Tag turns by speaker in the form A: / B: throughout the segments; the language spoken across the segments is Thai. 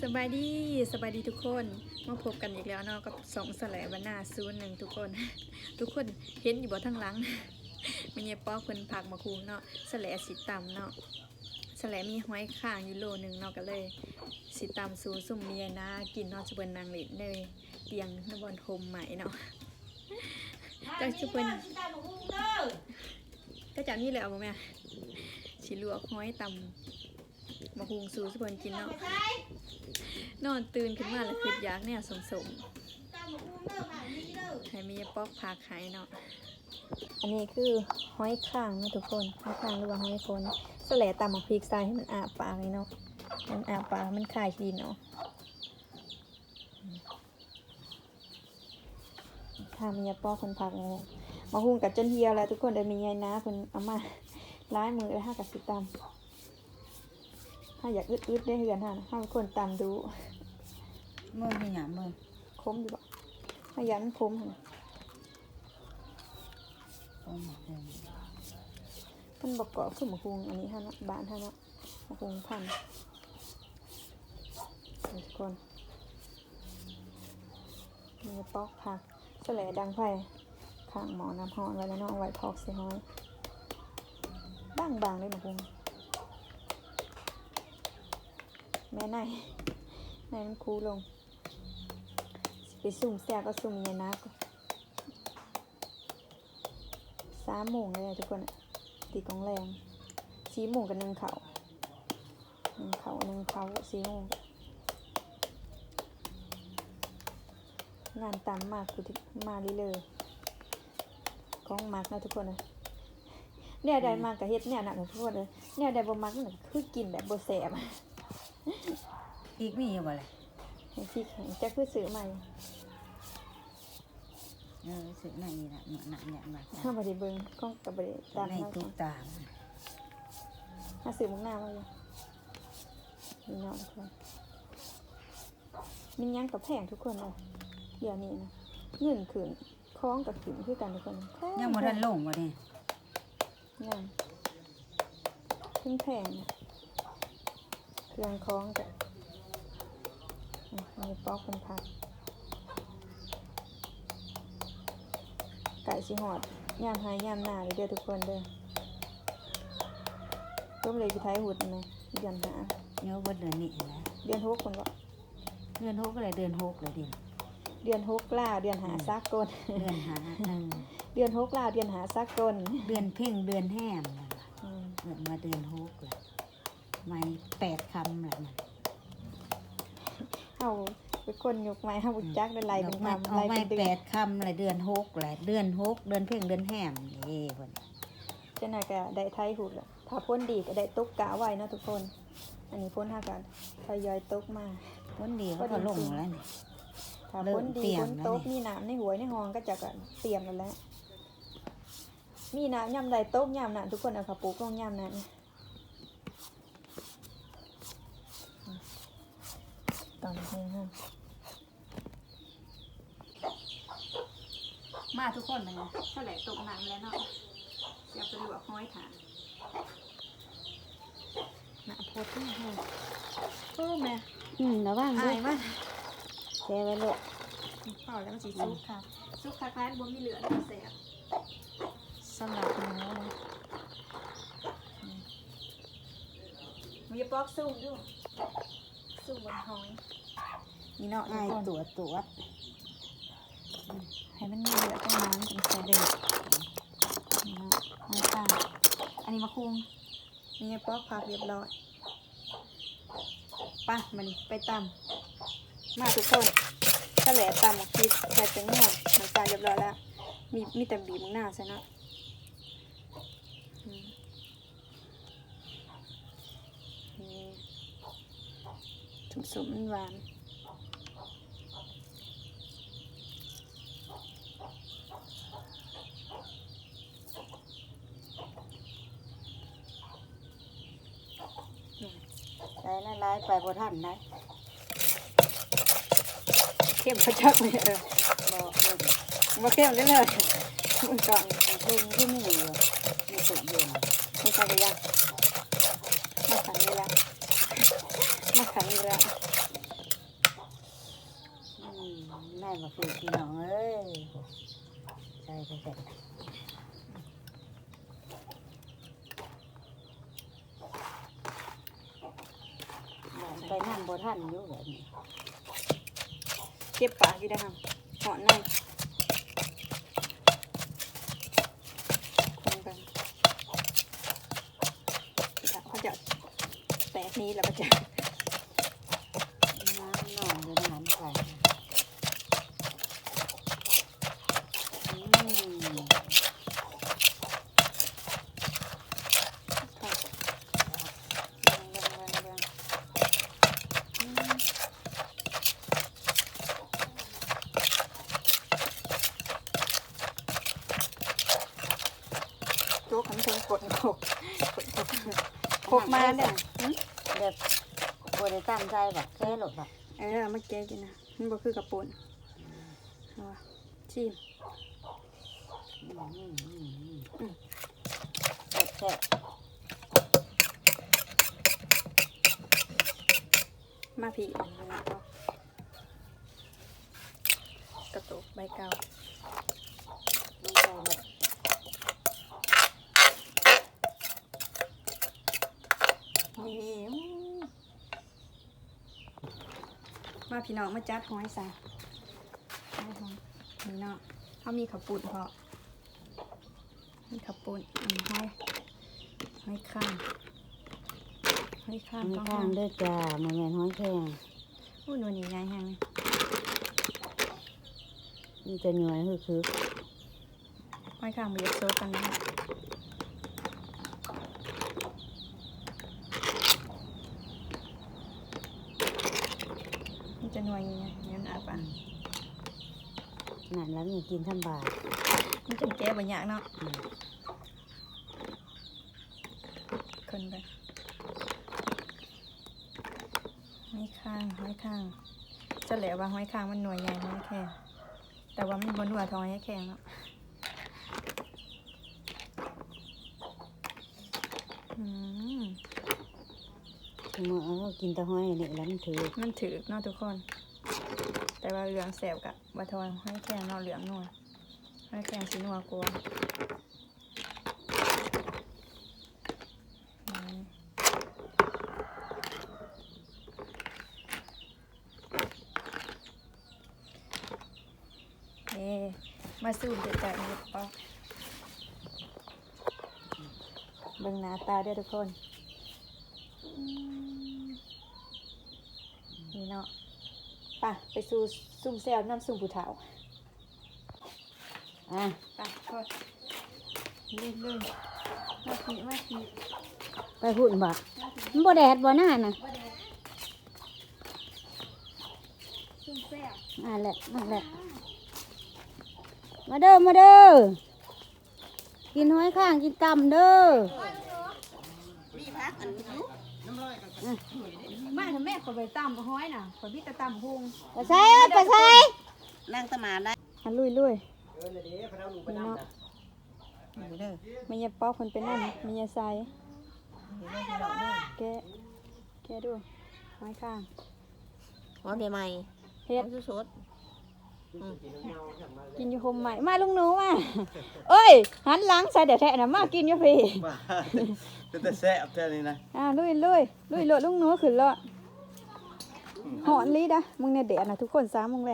A: บายดีทุกคนมาพบกันอีกแล้วเนาะกับสองแสลบรรณา01ทุกคน ทุกคนเห็นอยู่บ่ทั้งหลัง มันเยป้อเพิ่นผักมาคุงเนาะแสลสีต่ำเนาะแสลมีห้อยข้างอยู่โลนึงเนาะก็เลยสีต่ำสูสุ่มเมียนะกินเนาะจะเป็นนางเล่นได้เตียงนบอนโฮมใหม่เนาะจังจะเป็นก็จากนี้แหละเอาบ่แม่สิลวกห้อยต่ำมาคุงสูสุพนกินเนาะนอนตื่นขึ้นมาแล้วคิดอยากเนี่ยสมให้มีป๊อกผักหายเนาะอันนี้คือห้อยข้างนะทุกคนห้อยข้างหรือว่าห้อยคนสแลตำหมักพริกใส่ให้มันอาปากเลยเนาะมันอาปากมันคายดินเนาะถ้ามีป๊อกคนผักเนี่ยมาหุงกับจนเฮียแล้วทุกคนเดี๋ยวมีไงนะคนเอามาล้ายมือแล้วห้ากับสิตำถ้าอยากอึดได้เหือนฮะถ้าคนตำดู
B: มือที่หยามือ
A: คมอยู่บ่ถ้ายันคมฮะมันบอกเกาะขึ้นมาคุงอันนี้ฮะเนาะบ้านฮะเนาะมาคุงพันทุกคนมีปอกผักแสลดังไฟข้างหมอน้ำหอนไว้แล้วเนาะไว้พอกเสียห้อยบางเลยมาคุงแม่นายมันคูลงไปสุ่มแซ่ก็สุ่มเย็นนะ3 โมงเลยทุกคนตีกองแรง4 โมงกับ1 เขา4 โมงงานตามมากคือมาเลยกองมากนะทุกคนนะเนี่ยได้มากกับเฮ็ดเนี่ยหนักทุกคนเลยเนี่ยได้บ่มากนั่นคือกินแบบบ่แซ่บ
B: อีกมีอยู่บ่เลย
A: พริกแห้งจะคือซื้อใหม่
B: ซื้อในนี่นะหนักเนี่ยมา
A: ถ้าบ่ได้เบิ่งก็บ่ได้
B: ตามในตุ๊กตา
A: ถ้าซื้อมุกหน้ามาอยู่นี่เนาะทุกคนมันยังกับแพงทุกคนเลยเดี๋ยวนี้นะเงินขึ้นคล้องกับขึ้นคือกันทุกคน
B: ยังบ่ทันลงบ่เนี่ย
A: ยังขึ้นแพงเครื่องคล้องกับมีปอกคนพักไก่ชิหอดย่ามหายย่ามหน้าเด้อทุกคนเด้อต้มเลยกี่ไทยหุดไหมเดือนหา
B: เนื้อวัดเดือนนี้นะ
A: เดือน6คนวะ
B: เดือน6อะไรเดือน6เลย
A: เดือน6ล่าเดือนหาซักก้น
B: เดือนหา
A: เดือน6ล่าเดือนหาซักก้น
B: เดือนเพ่งเดือนแห้มเกิดมาเดือน6เลยไม่8 คำแบบนั้น
A: เอาไปคนยกไม้ห้าบุญจักได้ไรเป็นคำ
B: ไรเป็น8 คำอะไรเดือน6เลยเดือน6เดือนเพ่งเดือนแห้มนี่เพิ่น
A: เจ้าหน้าก็ได้ไทยหุดละถ้าพ้นดีก็ได้ตกกะไว้นะทุกคนอันนี้พ้นห้ากันทยอยตกมา
B: พ้นดีก็ลงแล้วนี่
A: ถ้าพ้นดีพ้นตกมีน้ำในหัวในห้องก็จะเตรียมกันแล้วมีน้ำย่ำใดตกย่ำนั่นทุกคนเอาขาปูกลงย่ำนั่นตอนนี้ฮะมาทุกคนเลยเท่าไหร่ตกน้ำแล้วเนาะจะไปลวกห้อยถาหน้าโพดที่ห้องโอ้แม่
B: ระวังด้วย
A: มา
B: แช่ไว้ลูก
A: เปล่าแล้วมันสีซุกค่ะซุกคล้ายๆบนมีเหลือแสบสำหรับหนูนะมีป๊อกซุ่มด้วยซุ่มบนห้อยนี่เนาะทุกคน
B: ตัว
A: ให้มันมีเหลือตรงนั้นเป็นแสเด็ดนี่เนาะน้ำตาลอันนี้มาคุงนี่ป๊อกผักเรียบร้อยป่ะมันไปตำมาทุกคนถ้าแหลตำพริกใส่แตงโมน้ำตาลเรียบร้อยแล้วมีแต่บีบหน้าใช่เนาะสุ่มๆหวาน
B: ไล่ไปบ่ทันนะ
A: เข้มพระจักเลยบ่เข้มได้เลยมันก่อน
B: เพิ่งที่นี่อยู่ในสุดเย็น
A: ไม่ใช่เลยยังมาขันเลยละมาขันเลยละ
B: มาคือพี่น้องเอ้ยใช่ใช่ไปนั่งบนท่านอยู่แบบนี้
A: เก็บปากกี่ได้ค่ะเหาะในคนกันเขาจะแตกนี้แล้วก็จะ
B: น้ำหน่อยเลยน้ำใส่
A: โจ๊กขันเทิงกดโคกมาเนี่ย
B: แบบบริตั้งใจแบบแค่หลดแบบ
A: มาแก้กินนะมันบ่คือกระปุนเอาวะชิม
B: แค่
A: มาผีกระตุกใบเก่า
B: ไม่ใช่แบบ
A: นี่มาพี่น้องมาจัดหอยใส่นี่เนาะเขามีขับปุ่นพอมีขับปุ่นหอยข้างหอยข้าง
B: มีข้างด้วยจ้ามันแมนห้อยแข้ง
A: อู้หนูนี่ไงแห้งเลย
B: มันจะหน่วยคือ
A: หอยข้างมีเยอะโซดกันนะมันจะหน่วยยังไงงั้นอาปะ
B: นั่นแล้วมีกินทำบาท
A: มันจะแก้บางอย่างเนาะคนไปห้อยข้างจะแหลว่าห้อยข้างมันหน่วยใหญ่ห้อยแข็งแต่ว่ามันบนหัวทองห้อยแข็งเนาะ
B: เมื่อเรากินตะห้อยนี่แล้วมันถือ
A: มันถือเนาะทุกคน แต่ว่าเหลืองแสบกับบัทอนห้อยแข็งเนาะเหลืองนัวห้อยแข็งสีนัวกลัวมาสูบเด็ดแต่เด็ดปอกเบิ่งหน้าตาเด้อทุกคนนี่เนาะป่ะไปสู่ซุ่มแซวน้ำซุ่มผู้เฒ่า
B: อ่ะ
A: ป่ะโทษเรื่อยๆมาขี่
B: ไปหุ่นบ่มันบ่แดดบ่หน้าน่ะ
A: ซุ่มแซว
B: นั่นแหละมาเด้อกินห้อยข้างกินกำเด้อ
A: มาทำแม่ขอไปตำห้อยน่ะขอพี่ตะตำพุง
B: ไปใส่นั่งตะมาได้
A: ลุยนี่เนาะมันยาป๊อกคนเป็นนั่นมันยาใส่แกดูห้อยข้าง
C: หอมใหม่
A: เฮ็ด
C: สด
A: กินอยู่คมใหม่มาลุงหนูมาเอ้ยหันหลังใส่เดี๋ยวแทะนะมากินอยู่พี่
D: มาเป็นแต่แซ่บแค่นี้นะ
A: ลุยโลดลุงหนูขึ้นแล้วหอนลีดะมึงเนี่ยเดี๋ยวนะทุกคน3 โมงแรง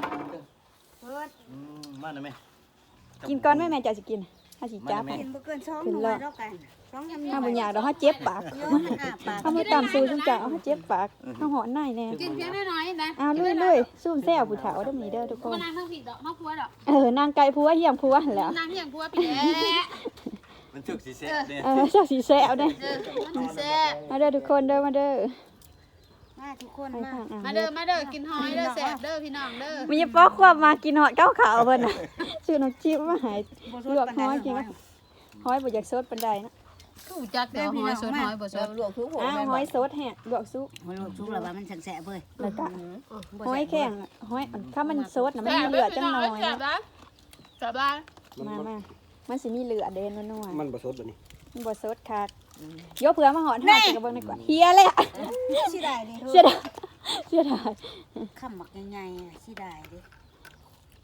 D: มาหน่อยไหม
A: กินก่อนแม่จะสิกินถ้าสิจับ
B: กินบ่เกิน2
A: ขึ้น
B: มื้อ
A: แล้ว
B: แล้วกัน2
A: ถ้าบ่อยากเดี๋ยวเขาเจ็บปาก
B: ย้อมอ้าปาก
A: เขาไม่ตำซูจังจ้ะเขาเจ็บปากเขาหอนในแน่
C: กินเพียงน้อยๆนะ
A: ลุยซุ่มแซ่บผู้เฒ่าเด้อมีเด้อทุกคน
C: มานางทั้งผิดดอกมะพร้าวดอก
A: นางไก่ผัวเยี่ยมผัวหั่นแหล้วน
C: างที่อย่างพัวปีแล้
D: มันถึกสีแซ่บเนี่ย
A: เจ้าสิแซ่บเด้อ
C: มันแซ่บ
A: มาเด้อทุกคนเด้อมาเด้อ
B: มาทุกคน
A: ไป
B: มา
A: ทาง
C: มาเด้อกินหอยเด้อแซ่บเด้อพี่น้องเด้อ
A: มีป๊อกควบมากินหอดเก้าขาวเพิ่นน่ะชื่อน้ำจิ้มมาหายลวกหอยกินก็หอยบ่อยากสดปานใดนะ
C: กูจักเดี๋ยวหอยสดหอยบ่สดลวกทุกหัว
A: หอยสดแฮะลวกซุป
B: มันลูกชุบแล้วว่ามันแสบๆเว้ย
A: แล้วก็หอยแข็งหอยถ้ามันสดน่ะมันมีเหลือดจังหน่อย
C: แซ่บได้แซ่บได้
A: มามันสิมีเหลือดเด่นนัวๆ
D: มันผสมแบบนี้
A: มันบ่สดคักยกเผื่อมาหอดหากินกับเบิ่งดีกว่าเฮียเลยอะ
B: สิได้ดิ
A: เสียดาย
B: คำหมักใหญ่ๆสิได้ดิ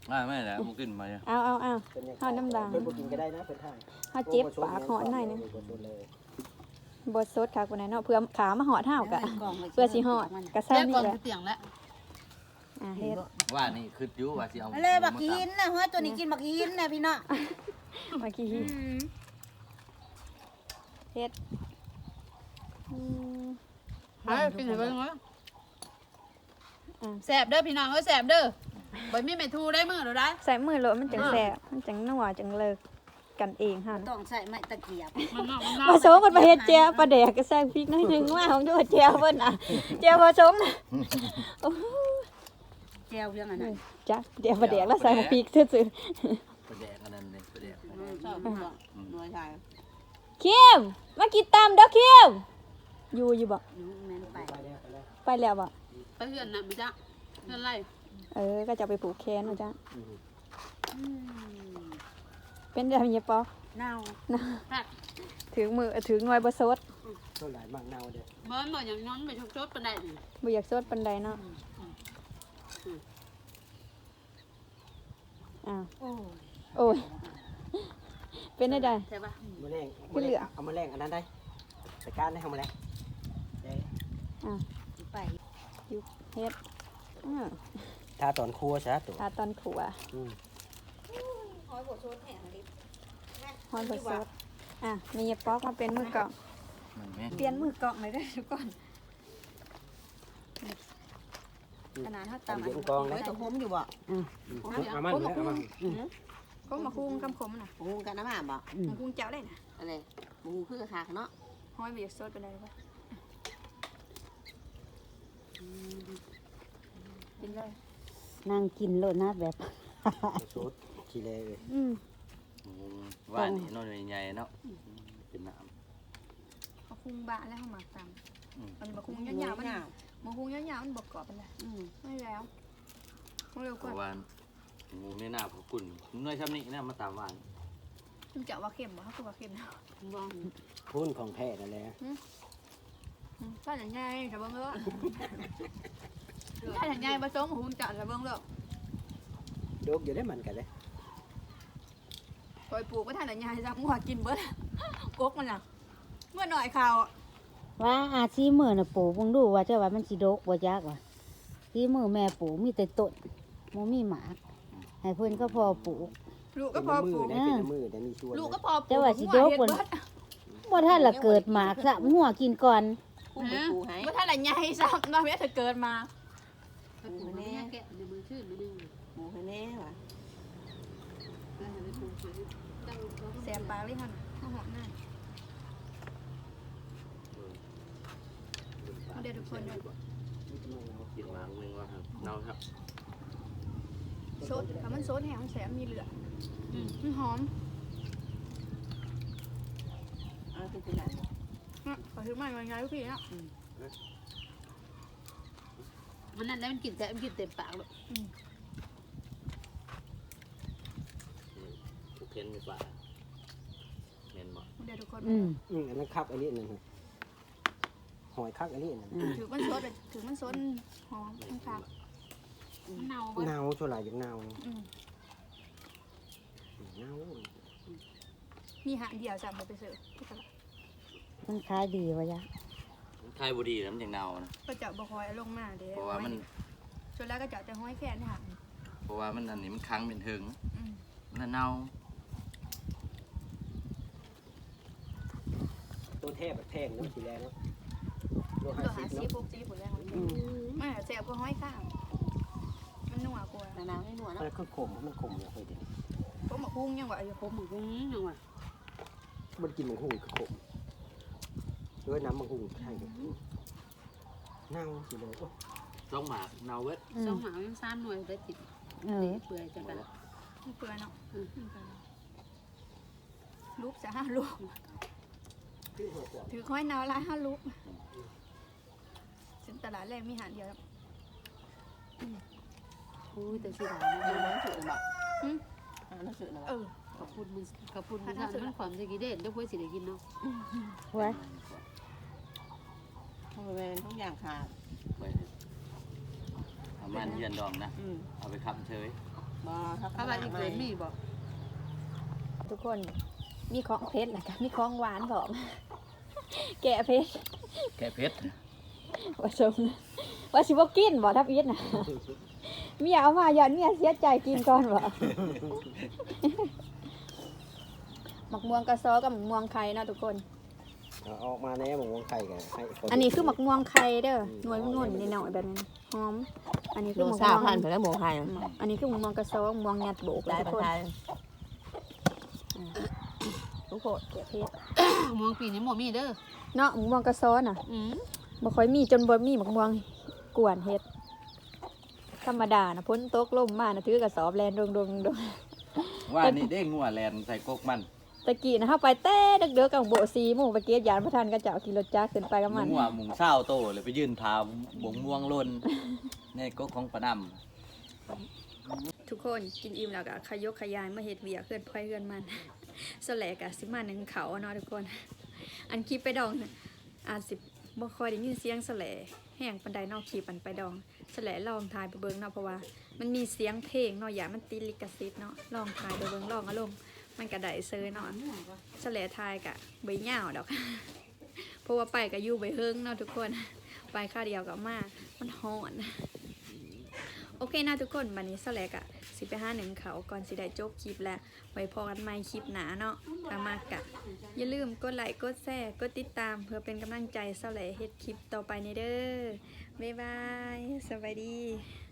D: ไม่แหละมันขึ้นมา
A: เอาเฮาน้ำดัง
E: เพิ่นบ่กินก็ได้นะเพิ่นทาน
A: เฮาเจ็บปากหอนหน่อยนึงบ่สดค่ะคนนั้นเนาะเพื่อขามาหอดเฮากะเพื่อสิหอดกะ
C: แซ่
A: ซ้ำ
C: บก่อ
A: นี่
C: น
A: แหละ
C: คือเตียงแล้ว
A: เฮ็ด
D: ว่านี่คืออยู่ว่าสิเอา
B: อะไรบักหินนะเฮ้ยตัวนี้กินบักหินนะพี่น้อง
A: เมื่อกี้เฮ็ดอืม
C: เฮ้ยกินให้เบิ่งเนาะแซ่บเด้อพี่น้องเอ้ยแซ่บเด้อบ่มีไม่ทูได้มื้อเด้อได้
A: ใส่มือโลดมันจังแซ่บมันจังนัวจังเลิกกันเองหั่น
B: ต้องใส่ไม้ตะเกียบ
C: มันเนาะ
A: ผสมกันไปเฮ็ดแจ่วปลาแดกก็ใส่พริกน้อยหนึงว่าของโยแจ่วเพิ่นน่ะแจ่วผสมน่ะโอ้โห
B: แจวเรื่องอันนั้น
A: จ้ะแจ่วปลาแดกแล้วใส่หมูพริกซื่อ
D: ประแดกอันนั้นเลยประแดก
C: ชอบบ่หน่วยชาย
A: ๆเข้มมากินตามเด้อเข้มอยู่บ่
B: แม่นไป
A: ไปแล้วบ่
C: ไปเฮือนน่ะมีจ้ะเฮือนไร
A: ก็จะไปผูกแขนนะจ๊ะ
B: อืม
A: เป็นได้มีปอ
B: เน่า
A: ถึงมือถึงหน่วยบ่สด
E: ต้นหลายมากเน่าเด้อ
C: บ่บ่อย่างนั้นไปชดๆปานใดนี่
A: บ่อยากสดปานใดเนาะอ้าว
B: โอ้ย
A: โอ้ยเป็นได้
C: ใช่ป่ะ
E: มื้อแรง
A: คือเหลือ
E: เอามาแรงอันนั้นได้จัดการได้เฮามาแรงได้
B: ไป
A: เฮ็ดอ้าว
E: ถ้าตอนครัวซะตัว
A: ตาตอนขัว
E: อืม
B: หอยบดชดแห้งลิ
A: ฮอนบ่สดมีปอกมาเป็นมือกล่อง
D: มันแม่
A: เปลี่ยนมือกล่องเลยเด้อทุกคนขนาดเฮาตำ
E: เย็นกองนะ
B: ตัวผมอยู่บ่
E: เอามันเอามัน
A: ก็มาคุ้งคำขมน่ะ
B: หูกันน้ำมันบ่
A: มาคุ้งเจ้าได้น่ะ
B: อะไรหูคือขาเนาะ
A: ห้อยบ่อยากสดปานใดบ่กินเลย
B: นั่งกินโลดนะแบบ
E: สูตรขี้เลเลย
D: ว่านี่นอนใหญ่ๆเนาะเป็นน้
A: มาคุ้งบะแล้วเฮาหมักตำมันมาคุ้งยาวๆมันมาคุ้งยาวๆมันบ่กรอบปานใดไม่แล้วมาเร็ว
D: ำเพ
A: กว่า
D: ราะว่างูไม่น่าพอกุ่นน้อยช้ำนี้นะมาตามว่าน
A: คุณจะว่าเค็มบ่เขาคือว่าเค็มนะ
C: บ่
E: พุ่นของแท้นั่นแหละ
A: ถ้าอย่างไงจะเบิ่งเด้อถ้าอย่างไงผสมหุ่นจะเบิ่งเด้อ
E: ดกอยู่ได้มันกันเลย
A: ปล่อยปลูกไว้ท่านอย่างไงซะมั่วกินเบิดกกมันน่ะเมื่อหน่อยข่าว
B: ว่าอาชีพมือน่ะปลูกเบิ่งดูว่าเจ้าว่ามันสิดกบ่จักว่าที่มือแม่ปลูกมีแต่ต้นบ่มีหมากให้เพิ่นก็พอปลูก
A: ลูก
E: เป็
A: ก็
E: น
A: พอ
E: มื
A: ปลู
E: อก ได้เป็นมือได้มีส่วน
A: ลูกก็พอปลูก
B: แต่ว่าสิดกบ่บ่ทันละเกิดหมากซะงัวกินก่อน
A: เมื่อท่านอย่างไงซะมาเมื่อเธอเกิดมา
C: ไปปลูกแน่แกะในมือชื่นมื้อนึง
B: หมูแน่ว่ะ
C: แล้วให้ไปปลูกชื่อตั้งเขา
A: แสบปากเลยค่ะข้าวหอมหน้าเดี๋ยวทุกคนเด้อ
D: กินมาหนึ่งว่าเน่าครับ
A: โซดถ้ามันโซดแห้งมันแสบมีเหลือมันหอม
B: เอาคือสิล่ะ
A: ขอถือไม้ไงทุกทีเนาะ
C: มันนั่นแล้วมันกินแต่มันกินเต็มปากเลย
D: ทุกเพ้นมีปลาเมนบ่
A: เดี๋ยวทุกคน
E: อันนั้นคักอันนี้นั่นหอยคักอันนี้นั่น
A: ถือมันโซดถือมันโซดหอมมันคัก
C: มันเน่าบ่
E: เน่าชั่วหลายอย่างเน่าเน่า
A: มีหางเดียวจำไปเสิร์ฟ
B: มันขายดีว่าจ๊ะ
D: ไทยบุรีน้ำอย่างเน่านะ
A: ก็จะบคอยลงมาเด้
D: เพราะว่ามัน
A: ส่วนแล้วก็จะห้อยแค่นี้ค่ะ
D: เพราะว่ามันอันนี้มันค้างเป็นถึงมันเน่า
E: ตัวแทบแบบแพงเนาะทีแรกเนาะโล
A: ตัวหา
E: 50
A: ซี
E: เนาะ
A: พวกซีผลแล้วไม่แสบก็ห้อยข้างมันนัวกว่า
B: น้ำให้หนัว
E: มั
B: เนาะ
E: นคือขมมันขมอย่างเฮ้ยเดี๋ยวนี้
A: ผมมาคุ้งยังว่าอยู่
C: ผมก็ยังว่า
E: มันกินมังหุงคือขมด้วยน้ำมังหุงใช่เลยเน่าสิเลย
D: ต้องหมากเน่าเวท
C: สองหมายัง3หน่วยได้ติดเปื่อยจังกัน
A: เปื่อยเนาะลูกจะ5 ลูกถือห้อยนาวละ5 ลูกสินตลาดแรกมีหางเดียว
C: อุ้ยแต่สิหามันบ่ถือบ่ขอบคุณมึงขอบคุณมึงท่านมันความสิกิเด่นเดี๋ยวเพิ่นสิได้กินเนาะ
B: ไว้
F: ทำไมมันทุกอย่างขาด
D: ไปเอามันเยือนดองนะเอาไปคำเฉย
C: ถ้าว่าอีกเกินมีบ่
A: ทุกคนมีของเพชรแหละค่ะมีของหวานพร้อม แกะเพชร
D: แค่เพชร
A: ว่าชมว่าสิบ่กินบ่ทับอีทน่ะ เมียเอามาย้อนเมียเสียใจกินก่อนบ่ หมักม่วงกระซอกับหมักม่วงไข่เนาะทุกคน
E: เอาออกมาแน่หมูไข่กันให้ค
A: อันนี้คือหมักม่วงไข่เด้อหน่วยนุ่นๆนิดหน่อยแบบนี้หอมอันนี้คือหมักม่วง
F: ไปแล้วหมูไข่
A: อันนี้คือหมักม่วงกระซอหมักม่วงยัดโบก
F: ได้
A: ทุก
F: ปลา
A: คน
F: ไทยทุกคน
A: แกะเพชร
C: ม่วงปีนี้บ่มีเด้อ
A: เนาะหมักม่วงกระซอน่ะ
C: อืม
A: บ่ค่อยมีจนบ่มีหมักม่วงกวนเฮ็ดธรรมดานะพ้นตกลมมานะถือกระสอบแลนดง
D: ว่านี่ได้งัวแลนใส่กกมัน
A: ตะกี้นะเฮาไปเต้เด็กๆกับโบซีหมู่ไปเกียยานพระทันก็เจ้าขี่รถจักรขึ้นไปกับมัน
D: งัวหมุงเศร้าโตเลยไปยืนทาบงม่วงลนในกกของปะนำ
A: ทุกคนกินอิ่มแล้วก็ขยกขยายมาเฮ็ดเวียกเพื่อนพ่อยเพื่อนมัน สแลกะสิมาหนึ่งเขาเนาะทุกคน อันคลิปไปดองน่ะอาจสิบ่ค่อยได้ยินเสียงสแลแห้งปานใดเนอกคลิปอันไปดองสแลลองทายไปเบิ่งเนาะเพราะว่ามันมีเสียงเพลงเนาะอย่ามันติดลิขสิทธิ์เนาะลองทายไปเบิ่งลองอารมณ์มันก็ได้เซยเนาะสแลทายกะบ่ยาวดอก เพราะว่าไปก็อยู่ไปเฮิงเนาะทุกคน ไปค่าเดียวกับมามันฮ้อน โอเคนะทุกคนวันนี้สแลกอะสิไปหาหนึ่งเขาก่อนสิได้จบคลิปแล้วไว้พอกันใหม่คลิปหนาเนาะถ้ามากะอย่าลืมกดไลค์กดแชร์กดติดตามเพื่อเป็นกำลังใจสแลเฮ็ดคลิปต่อไปในเด้อบ๊ายบายสวัสดี